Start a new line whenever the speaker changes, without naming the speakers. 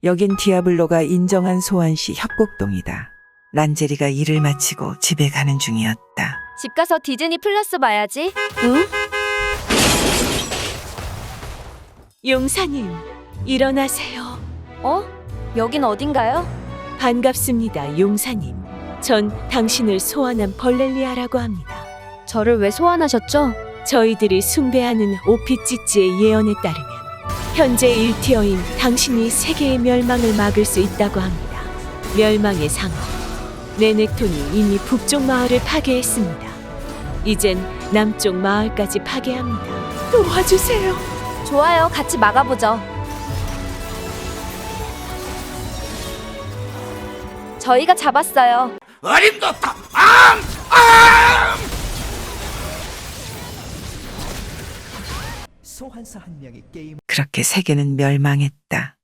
여긴 디아블로가 인정한 소환시 협곡동이다. 란제리가 일을 마치고 집에 가는 중이었다.
집 가서 디즈니 플러스 봐야지. 응?
용사님, 일어나세요.
어? 여긴 어딘가요?
반갑습니다, 용사님. 전 당신을 소환한 벌렐리아라고 합니다.
저를 왜 소환하셨죠?
저희들이 숭배하는 오피찌찌의 예언에 따르면 현재 1티어인 당신이 세계의 멸망을 막을 수 있다고 합니다. 멸망의 상어 레넥톤이 이미 북쪽 마을을 파괴했습니다. 이젠 남쪽 마을까지 파괴합니다. 도와주세요.
좋아요. 같이 막아보죠. 저희가 잡았어요.
어림도다. 소환사 한 명이 게임
그렇게 세계는 멸망했다.